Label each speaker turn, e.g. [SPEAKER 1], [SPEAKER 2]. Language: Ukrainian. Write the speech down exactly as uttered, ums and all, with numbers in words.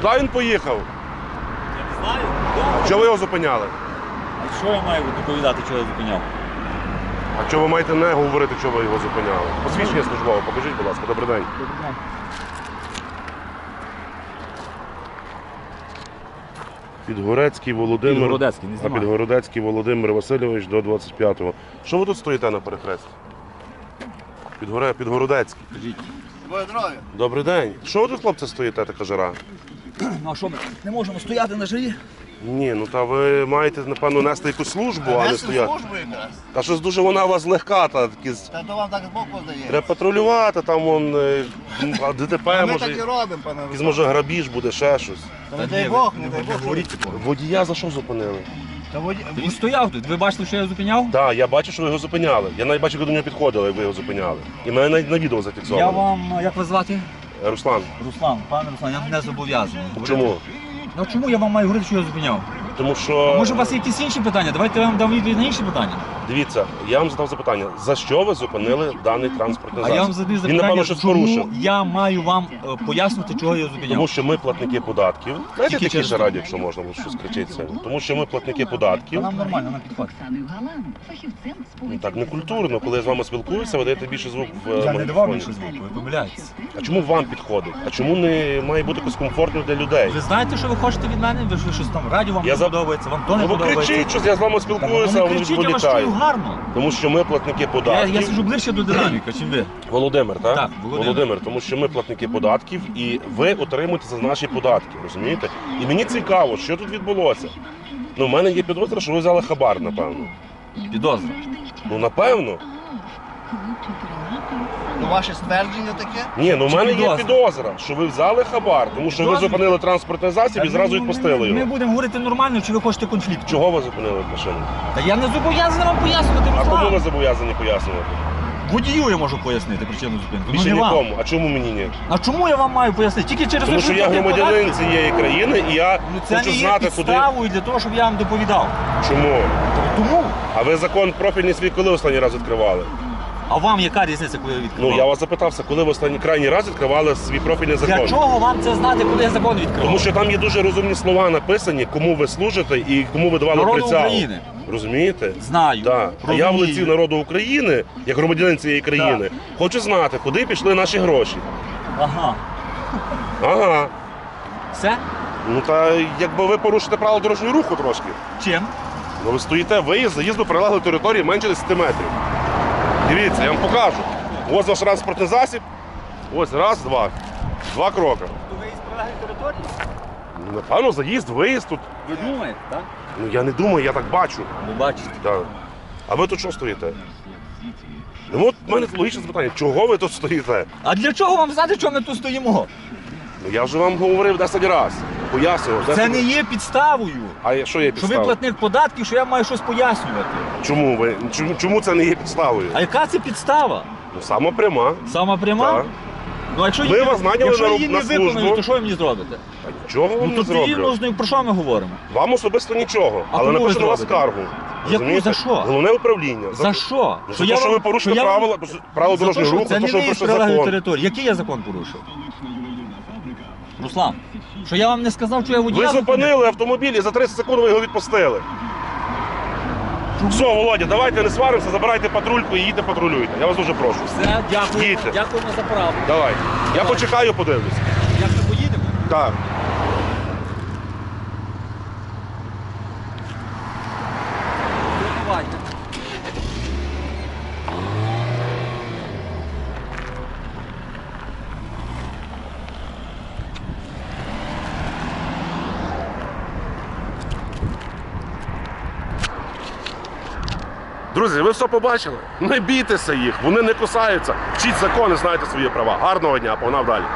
[SPEAKER 1] Куди він поїхав?
[SPEAKER 2] Я не знаю.
[SPEAKER 1] Чого ви його зупиняли?
[SPEAKER 2] А що я маю доповідати, чого я зупиняв?
[SPEAKER 1] А чого ви маєте не говорити, чого ви його зупиняли? Посвідчення службове, покажіть, будь ласка. Добрий день.
[SPEAKER 2] Добрий день.
[SPEAKER 1] Підгорецький Володимир.
[SPEAKER 2] Підгородецький, не
[SPEAKER 1] а
[SPEAKER 2] знімай.
[SPEAKER 1] Підгородецький Володимир Васильович до двадцять п'ятого. Що ви тут стоїте на перехресті? Підгоре... Підгородецький.
[SPEAKER 2] Скажіть.
[SPEAKER 3] Твоє здоров'я.
[SPEAKER 1] Добрий день. Що ви тут, хлопці, стоїте, така жара?
[SPEAKER 2] Ну а що ми не можемо стояти на жарі?
[SPEAKER 1] Ні, ну та ви маєте, напевно, нести якусь службу, а не
[SPEAKER 3] Нести
[SPEAKER 1] стояти.
[SPEAKER 3] службу якраз.
[SPEAKER 1] Та щось дуже вона у вас легка, та такі. з-
[SPEAKER 3] Та то вам так з боку здає.
[SPEAKER 1] Треба патрулювати, там вон е, а ДТП,
[SPEAKER 3] Ми
[SPEAKER 1] може,
[SPEAKER 3] так і робимо, пане
[SPEAKER 1] якийсь
[SPEAKER 3] Руслан.
[SPEAKER 1] може грабіж буде, ще щось.
[SPEAKER 3] Та не дай Бог, не дай Бог.
[SPEAKER 2] Говоріть такого.
[SPEAKER 1] Водія за що зупинили?
[SPEAKER 3] Та воді-
[SPEAKER 2] Він стояв тут. Ви бачили, що я зупиняв?
[SPEAKER 1] Так, я бачу, що ви його зупиняли. Я навіть бачив, як до нього підходили, як ви його зупиняли. І мене навіть на відео
[SPEAKER 2] Я
[SPEAKER 1] зафіксовано.
[SPEAKER 2] вам, як вас звати?
[SPEAKER 1] Руслан,
[SPEAKER 2] Руслан, пане Руслан, я не зобов'язаний.
[SPEAKER 1] чому?
[SPEAKER 2] Ну чому я вам маю говорити, що я зупиняв?
[SPEAKER 1] Тому що,
[SPEAKER 2] Може у вас є якісь інші питання? Давайте я вам дам відповідь на інші питання.
[SPEAKER 1] дивіться, я вам задав запитання, за що ви зупинили даний транспортний
[SPEAKER 2] А
[SPEAKER 1] засіб?
[SPEAKER 2] я вам задаю
[SPEAKER 1] Він,
[SPEAKER 2] запитання,
[SPEAKER 1] напевно, щось
[SPEAKER 2] чому
[SPEAKER 1] порушив.
[SPEAKER 2] я маю вам е, пояснити, чого я зупиняв.
[SPEAKER 1] Тому що ми платники податків. Знаєте,
[SPEAKER 2] Тільки
[SPEAKER 1] такі
[SPEAKER 2] через-
[SPEAKER 1] ж раді, якщо можна, бо щось кричиться. Тому що ми платники податків.
[SPEAKER 2] Та нам нормально, на підход.
[SPEAKER 1] Ну, так не культурно, коли я з вами спілкуюся, ви даєте більше звук в е,
[SPEAKER 2] Я не давав
[SPEAKER 1] магнітофоні.
[SPEAKER 2] більше звуку, ви помиляєтесь.
[SPEAKER 1] А чому вам підходить? А чому не має бути якось комфортно для людей?
[SPEAKER 2] Ви знаєте, що ви хочете від мене? Ви ж щось там радіо вам
[SPEAKER 1] Я
[SPEAKER 2] не
[SPEAKER 1] за-
[SPEAKER 2] подобається, вам то не
[SPEAKER 1] Ну ви
[SPEAKER 2] подобається.
[SPEAKER 1] кричіть щось, я з вами
[SPEAKER 2] Та
[SPEAKER 1] спілкуюся,
[SPEAKER 2] ну,
[SPEAKER 1] а
[SPEAKER 2] не
[SPEAKER 1] ви
[SPEAKER 2] кричіть, я вас
[SPEAKER 1] відволікаєте.
[SPEAKER 2] чую гарно.
[SPEAKER 1] Тому що ми платники
[SPEAKER 2] Я,
[SPEAKER 1] податків.
[SPEAKER 2] я сиджу ближче до динаміка, чим ви.
[SPEAKER 1] Володимир, так?
[SPEAKER 2] Так, Володимир.
[SPEAKER 1] тому що ми платники податків і ви отримуєте за наші податки, розумієте? І мені цікаво, що тут відбулося. Ну, в мене є підозра, що ви взяли хабар, напевно.
[SPEAKER 2] Підозра.
[SPEAKER 1] Ну, напевно.
[SPEAKER 3] Ну, ваше ствердження таке?
[SPEAKER 1] Ні, ну в
[SPEAKER 2] Чи
[SPEAKER 1] мене є
[SPEAKER 2] підозра?
[SPEAKER 1] підозра, що ви взяли хабар, тому що ви
[SPEAKER 2] Підозра?
[SPEAKER 1] зупинили транспортний засіб і зразу
[SPEAKER 2] Ми-
[SPEAKER 1] відпустили
[SPEAKER 2] Ми, ми
[SPEAKER 1] його.
[SPEAKER 2] будемо говорити нормально, чи ви хочете конфлікту.
[SPEAKER 1] Чого ви зупинили машину?
[SPEAKER 2] Та я не зобов'язаний вам пояснювати,
[SPEAKER 1] А кому ви
[SPEAKER 2] Руслан.
[SPEAKER 1] зобов'язані пояснювати?
[SPEAKER 2] Водію я можу пояснити причину зупинки.
[SPEAKER 1] Більше
[SPEAKER 2] Ну не вам.
[SPEAKER 1] нікому. А чому мені ні?
[SPEAKER 2] А чому я вам маю пояснити? Тільки через
[SPEAKER 1] Тому
[SPEAKER 2] те,
[SPEAKER 1] що я
[SPEAKER 2] платив
[SPEAKER 1] громадянин
[SPEAKER 2] податки?
[SPEAKER 1] цієї країни і я
[SPEAKER 2] Ну це
[SPEAKER 1] хочу
[SPEAKER 2] не є
[SPEAKER 1] знати, куди.
[SPEAKER 2] підставою для того, щоб я вам доповідав.
[SPEAKER 1] Чому?
[SPEAKER 2] Тому.
[SPEAKER 1] А ви закон профільний свій коли останній раз відкривали?
[SPEAKER 2] А вам яка різниця, коли я відкривав?
[SPEAKER 1] Ну я вас запитався, коли ви останній крайній раз відкривали свій профільний закон?
[SPEAKER 2] Для чого вам це знати, коли я закон відкривав?
[SPEAKER 1] Тому що там є дуже розумні слова написані, кому ви служите і кому ви давали
[SPEAKER 2] Народу
[SPEAKER 1] присягу.
[SPEAKER 2] України.
[SPEAKER 1] Розумієте?
[SPEAKER 2] Знаю.
[SPEAKER 1] Так. А я в
[SPEAKER 2] розумію.
[SPEAKER 1] лиці народу України, як громадянин цієї країни, хочу знати, куди пішли наші гроші.
[SPEAKER 2] Ага.
[SPEAKER 1] Ага.
[SPEAKER 2] Все?
[SPEAKER 1] Ну та якби ви порушите правила дорожнього руху трошки.
[SPEAKER 2] Чим?
[SPEAKER 1] Ну ви стоїте виїзд, заїзд до прилеглої території менше десяти метрів. Дивіться, я вам покажу. Ось ваш транспортний засіб. Ось раз, два. Два кроки.
[SPEAKER 2] То ви із прилеглої території?
[SPEAKER 1] Ну, напевно, заїзд, виїзд тут.
[SPEAKER 2] Ви думаєте, так?
[SPEAKER 1] Ну я не думаю, я так бачу.
[SPEAKER 2] Ви бачите.
[SPEAKER 1] Так. А ви тут що стоїте? Ну от в мене логічне запитання, чого ви тут стоїте?
[SPEAKER 2] А для чого вам знати, що ми тут стоїмо?
[SPEAKER 1] Ну я вже вам говорив десять разів. Пояснював.
[SPEAKER 2] Це
[SPEAKER 1] десять-
[SPEAKER 2] не є підставою.
[SPEAKER 1] А що є
[SPEAKER 2] Що ви
[SPEAKER 1] підстава?
[SPEAKER 2] платник податків, що я маю щось пояснювати.
[SPEAKER 1] Чому ви? Чому, чому це не є підставою?
[SPEAKER 2] А яка це підстава?
[SPEAKER 1] Ну сама пряма.
[SPEAKER 2] Сама пряма?
[SPEAKER 1] Так.
[SPEAKER 2] Ну, а якщо
[SPEAKER 1] Ми
[SPEAKER 2] її,
[SPEAKER 1] вас наняли
[SPEAKER 2] якщо
[SPEAKER 1] на
[SPEAKER 2] її
[SPEAKER 1] роб-
[SPEAKER 2] не
[SPEAKER 1] на службу.
[SPEAKER 2] виконаю, то що ви мені зробите?
[SPEAKER 1] А нічого вам
[SPEAKER 2] Ну
[SPEAKER 1] не
[SPEAKER 2] то
[SPEAKER 1] зроблю.
[SPEAKER 2] вільно, ну, про що ми говоримо?
[SPEAKER 1] Вам особисто нічого,
[SPEAKER 2] А
[SPEAKER 1] але
[SPEAKER 2] кому ви
[SPEAKER 1] напишу на вас
[SPEAKER 2] зробите?
[SPEAKER 1] скаргу.
[SPEAKER 2] Яку?
[SPEAKER 1] Розумієте?
[SPEAKER 2] За що?
[SPEAKER 1] Головне управління.
[SPEAKER 2] За що?
[SPEAKER 1] Ну, за те, що
[SPEAKER 2] вам-
[SPEAKER 1] ви порушили
[SPEAKER 2] що я вам-
[SPEAKER 1] правила, правила
[SPEAKER 2] За те,
[SPEAKER 1] дорожнього
[SPEAKER 2] що
[SPEAKER 1] руху,
[SPEAKER 2] це
[SPEAKER 1] то,
[SPEAKER 2] не
[SPEAKER 1] що ви
[SPEAKER 2] ви з
[SPEAKER 1] порушили
[SPEAKER 2] прилеглої
[SPEAKER 1] закон.
[SPEAKER 2] території. Який я закон порушив? Руслан, що я вам не сказав, що я водія
[SPEAKER 1] Ви
[SPEAKER 2] зупинив?
[SPEAKER 1] зупинили автомобіль і за тридцять секунд ви його відпустили. Все, Володя, давайте не сваримося, забирайте патрульку і їдьте патрулюйте. Я вас дуже прошу.
[SPEAKER 2] Все, дякую.
[SPEAKER 1] Їдьте.
[SPEAKER 2] Дякуємо за правду.
[SPEAKER 1] Давай. Я почекаю, подивлюсь.
[SPEAKER 2] Як ми поїдемо?
[SPEAKER 1] Так.
[SPEAKER 2] Давайте.
[SPEAKER 1] Друзі, ви все побачили? Не бійтеся їх, вони не кусаються. Вчіть закони, знайте свої права. Гарного дня, погнав далі.